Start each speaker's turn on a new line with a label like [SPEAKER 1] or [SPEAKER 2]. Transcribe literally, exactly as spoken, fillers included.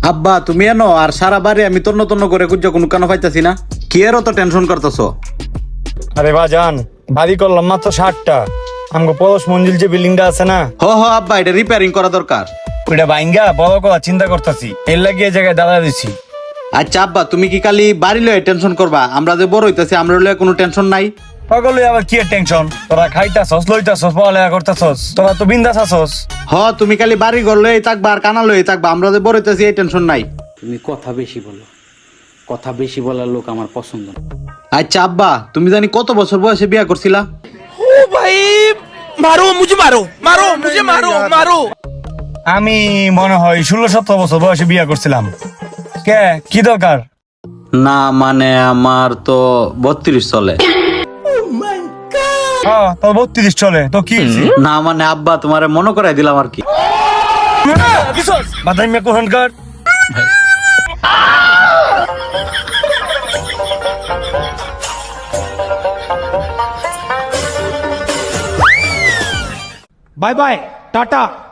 [SPEAKER 1] আব্বা তুমি এনো আর সারা বাড়ি আমি তন্ন তন্ন করে কুজ্জা কোনো কেন পাইতাছি না, কি এর তো টেনশন করতেছো?
[SPEAKER 2] আরে বাজান, বাড়ি করলাম মাত্র ষাটটা। আমগো পরশ মঞ্জিল যে বিল্ডিংটা আছে না,
[SPEAKER 1] হ হ আব্বা, এটা রিপেয়ারিং করা দরকার।
[SPEAKER 2] ওইটা ভাঙ্গা বড় করা চিন্তা করতেছি, এর লাগিয়ে জায়গায় দাঁড়া দিছি।
[SPEAKER 1] আচ্ছা আব্বা, তুমি কি খালি বাড়ি লয়ে টেনশন করবা? আমরা যে বড় হইতাছি আমরা লয়ে কোনো টেনশন নাই।
[SPEAKER 2] সকলে আবার কি টেনশন? তোরা খাইতাছস, লইতাছস, পড়ালেখা করতেছস, তোরা তো বিন্দাস আছস।
[SPEAKER 1] হ তুমি খালি বাড়ি ঘর লয়ে থাকবা আর কানা লয়ে থাকবা, আমরা যে বড় হইতাছি এই টেনশন নাই।
[SPEAKER 3] তুমি কথা বেশি বলো, কথা বেশি বলার লোক আমার পছন্দ না।
[SPEAKER 1] আচ্ছা আব্বা, তুমি জানি কত বছর বয়সে বিয়া করছিলা?
[SPEAKER 4] ओ भाई मारो मुझे मारो मारो मुझे मारो मारो
[SPEAKER 2] আমি মনে হয় ষোলো সতেরো বছর বয়সে বিয়ে করছিলাম। কে কি দরকার?
[SPEAKER 1] না মানে আমার তো বত্রিশ চলে।
[SPEAKER 2] হ্যাঁ তোর বত্রিশ চলে তো কি?
[SPEAKER 1] না মানে আব্বা তোমারে মনে করাই দিলাম আর কি।
[SPEAKER 2] বাদাই মেয়ে কোহনকার।
[SPEAKER 4] Bye bye Tata.